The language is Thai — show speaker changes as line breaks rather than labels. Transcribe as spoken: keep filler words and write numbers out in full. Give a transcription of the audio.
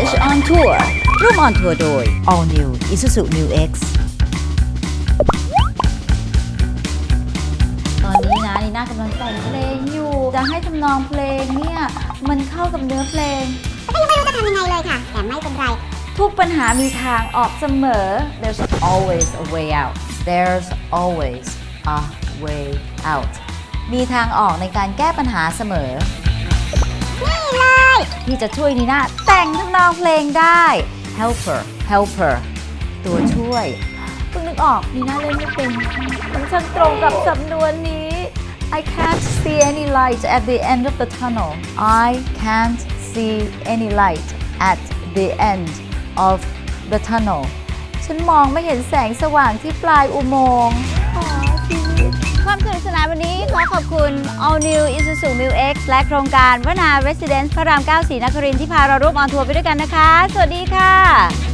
English on Tour ร่วม on tour โดย All New Isuzu Mu X ตอนนี้นะนีน่ากำลังแต่งเพลงอยู่จะให้ทำนองเพลงเนี่ยมันเข้ากับเนื้อเพลง
แต่ก็ยังไม่รู้จะทำยังไงเลยค่ะแต่ไม่เป็นไร
ทุกปัญหามีทางออกเสมอ There's always a way out There's always a way out มีทางออกในการแก้ปัญหาเสมอ
นี่เลย
ที่จะช่วยนีน่าแต่งทำนองเพลงได้ Helper Helper ตัวช่วยเพิ่งนึกออกนีน่าเล่นไม่เป็นมันช่างตรงกับสำนวนนี้ I can't see any light at the end of the tunnel I can't see any light at the end of the tunnel ฉันมองไม่เห็นแสงสว่างที่ปลายอุโมงค์ความสนุกสนานวันนี้ขอขอบคุณ All New Isuzu Mu X และโครงการวนา Residence พระรามเก้า ศรีนครินทร์ที่พาเราร่วมออนทัวร์ไปด้วยกันนะคะ สวัสดีค่ะ